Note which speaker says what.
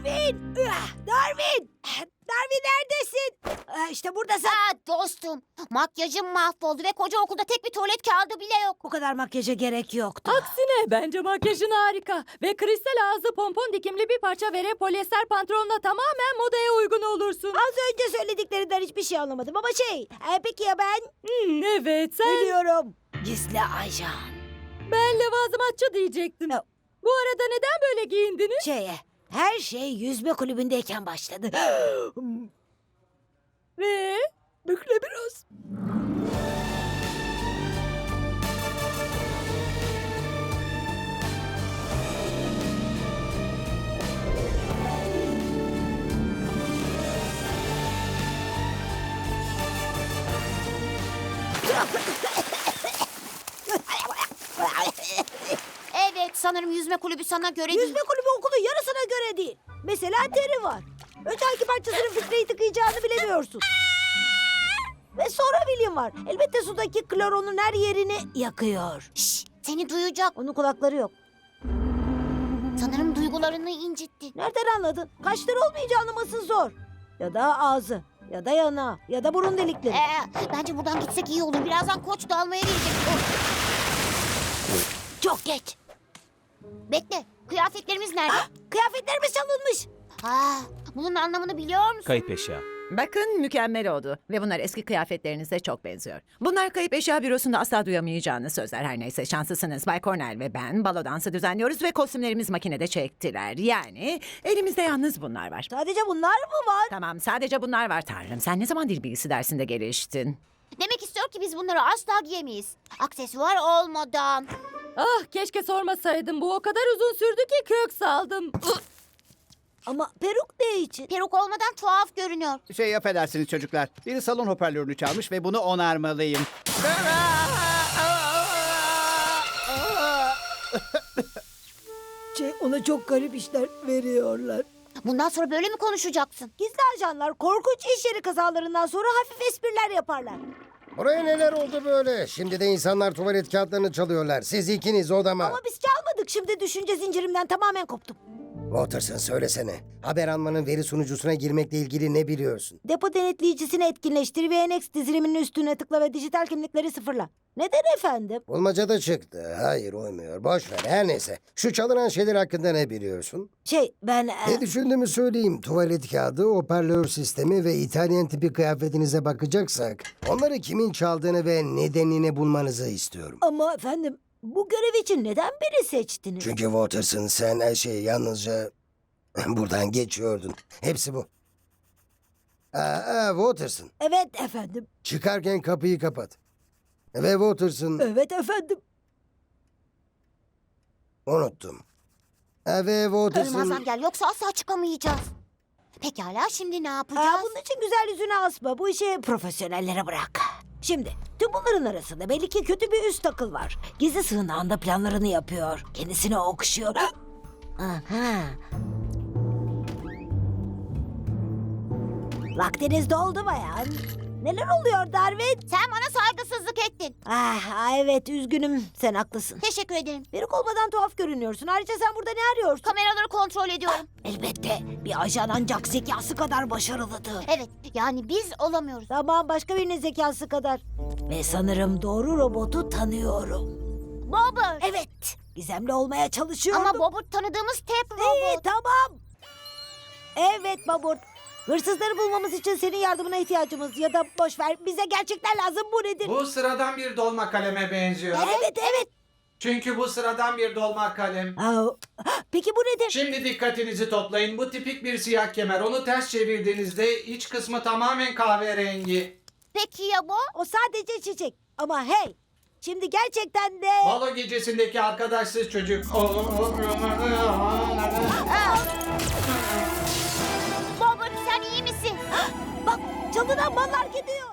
Speaker 1: Darwin! Darwin! Darwin neredesin? İşte buradasın.
Speaker 2: Dostum, makyajım mahvoldu ve koca okulda tek bir tuvalet kağıdı bile yok.
Speaker 1: Bu kadar makyaja gerek yoktu.
Speaker 3: Aksine bence makyajın harika. Ve kristal ağzı pompon dikimli bir parça vere polyester pantolonla tamamen modaya uygun olursun.
Speaker 1: Az önce söylediklerinden hiçbir şey anlamadım ama peki ya ben?
Speaker 3: Evet sen.
Speaker 1: Biliyorum. Gizli ajan.
Speaker 3: Ben levazımatçı diyecektim.
Speaker 1: Yok.
Speaker 3: Bu arada neden böyle giyindiniz?
Speaker 1: Her şey yüzme kulübündeyken başladı.
Speaker 3: Ve?
Speaker 1: Bükle biraz.
Speaker 2: Evet, sanırım yüzme kulübü sana göre değil.
Speaker 1: Yüzme kulübü okulun yarısına göre değil. Mesela Terry var. Önce hangi parçasının filtreyi tıkayacağını bilemiyorsun. Ve sonra William var. Elbette sudaki klor onun her yerini yakıyor.
Speaker 2: Şşş, seni duyacak.
Speaker 1: Onun kulakları yok.
Speaker 2: Sanırım duygularını incitti.
Speaker 1: Nereden anladın? Kaşları olmayınca anlaması zor. Ya da ağzı, ya da yanağı, ya da burun delikleri.
Speaker 2: Bence buradan gitsek iyi olur. Birazdan koç da almaya gelecek.
Speaker 1: Çok geç.
Speaker 2: Bekle, kıyafetlerimiz nerede?
Speaker 1: Kıyafetlerimiz çalınmış.
Speaker 2: Bunun anlamını biliyor musun?
Speaker 4: Kayıp eşya.
Speaker 5: Bakın mükemmel oldu ve bunlar eski kıyafetlerinize çok benziyor. Bunlar kayıp eşya bürosunda asla duyamayacağınız sözler. Her neyse şanslısınız. Bay Cornell ve ben balo dansı düzenliyoruz ve kostümlerimiz makinede çektiler. Yani elimizde yalnız bunlar var.
Speaker 1: Sadece bunlar mı var?
Speaker 5: Tamam sadece bunlar var Tanrım. Sen ne zaman dil bilgisi dersinde geliştin?
Speaker 2: Demek istiyor ki biz bunları asla giyemeyiz. Aksesuar olmadan.
Speaker 3: Ah keşke sormasaydım. Bu o kadar uzun sürdü ki kök saldım.
Speaker 1: Ama peruk ne için?
Speaker 2: Peruk olmadan tuhaf görünüyor.
Speaker 6: Affedersiniz çocuklar. Biri salon hoparlörünü çalmış ve bunu onarmalıyım.
Speaker 1: Ona çok garip işler veriyorlar.
Speaker 2: Bundan sonra böyle mi konuşacaksın?
Speaker 1: Gizli ajanlar korkunç iş yeri kazalarından sonra hafif espriler yaparlar.
Speaker 7: Buraya neler oldu böyle? Şimdi de insanlar tuvalet kağıtlarını çalıyorlar. Siz ikiniz odama.
Speaker 1: Ama biz çalmadık. Şimdi düşünce zincirimden tamamen koptum.
Speaker 7: Watterson söylesene. Haber almanın veri sunucusuna girmekle ilgili ne biliyorsun?
Speaker 1: Depo denetleyicisini etkinleştir ve NX diziliminin üstüne tıkla ve dijital kimlikleri sıfırla. Neden efendim?
Speaker 7: Bulmaca da çıktı. Hayır uymuyor. Boş ver. Her neyse. Şu çalınan şeyler hakkında ne biliyorsun?
Speaker 1: Ben...
Speaker 7: Ne düşündüğümü söyleyeyim. Tuvalet kağıdı, hoparlör sistemi ve İtalyan tipi kıyafetinize bakacaksak... ...onları kimin çaldığını ve nedenini bulmanızı istiyorum.
Speaker 1: Ama efendim bu görev için neden beni seçtiniz?
Speaker 7: Çünkü Watterson sen her şeyi yalnızca buradan geçiyordun. Hepsi bu. Watterson.
Speaker 1: Evet efendim.
Speaker 7: Çıkarken kapıyı kapat. Ve Watterson
Speaker 1: Evet efendim.
Speaker 7: unuttum. Ve Watterson...
Speaker 2: Ölmezden gel yoksa asla çıkamayacağız. Pekala şimdi ne yapacağız?
Speaker 1: Bunun için güzel yüzüne asma. Bu işi profesyonellere bırak. Şimdi tüm bunların arasında belli ki kötü bir üst akıl var. Gizli sığınağında planlarını yapıyor. Kendisini okşuyor. Aha. Vaktiniz doldu bayan. Neler oluyor Darwin?
Speaker 2: Sen bana saygısızlık ettin.
Speaker 1: Evet üzgünüm. Sen haklısın.
Speaker 2: Teşekkür ederim.
Speaker 1: Peruk olmadan tuhaf görünüyorsun. Ayrıca sen burada ne arıyorsun?
Speaker 2: Kameraları kontrol ediyorum.
Speaker 1: Elbette. Bir ajan ancak zekası kadar başarılıdır.
Speaker 2: Evet, yani biz olamıyoruz.
Speaker 1: Tamam başka birinin zekası kadar. Ve sanırım doğru robotu tanıyorum.
Speaker 2: Bobber.
Speaker 1: Evet. Gizemli olmaya çalışıyorum.
Speaker 2: Ama Bobber tanıdığımız Tep robot.
Speaker 1: Tamam. Evet Babur. Hırsızları bulmamız için senin yardımına ihtiyacımız ya da boş ver bize gerçekler lazım bu nedir?
Speaker 8: Bu sıradan bir dolma kaleme benziyor.
Speaker 1: Evet.
Speaker 8: Çünkü bu sıradan bir dolma kalem.
Speaker 1: Peki bu nedir?
Speaker 8: Şimdi dikkatinizi toplayın. Bu tipik bir siyah kemer. Onu ters çevirdiğinizde iç kısmı tamamen kahverengi.
Speaker 2: Peki ya bu?
Speaker 1: O sadece çiçek. Ama hey. Şimdi gerçekten de...
Speaker 8: Balo gecesindeki arkadaşsız çocuk.
Speaker 2: Bobber sen iyi misin?
Speaker 1: Bak çalınan mallar gidiyor.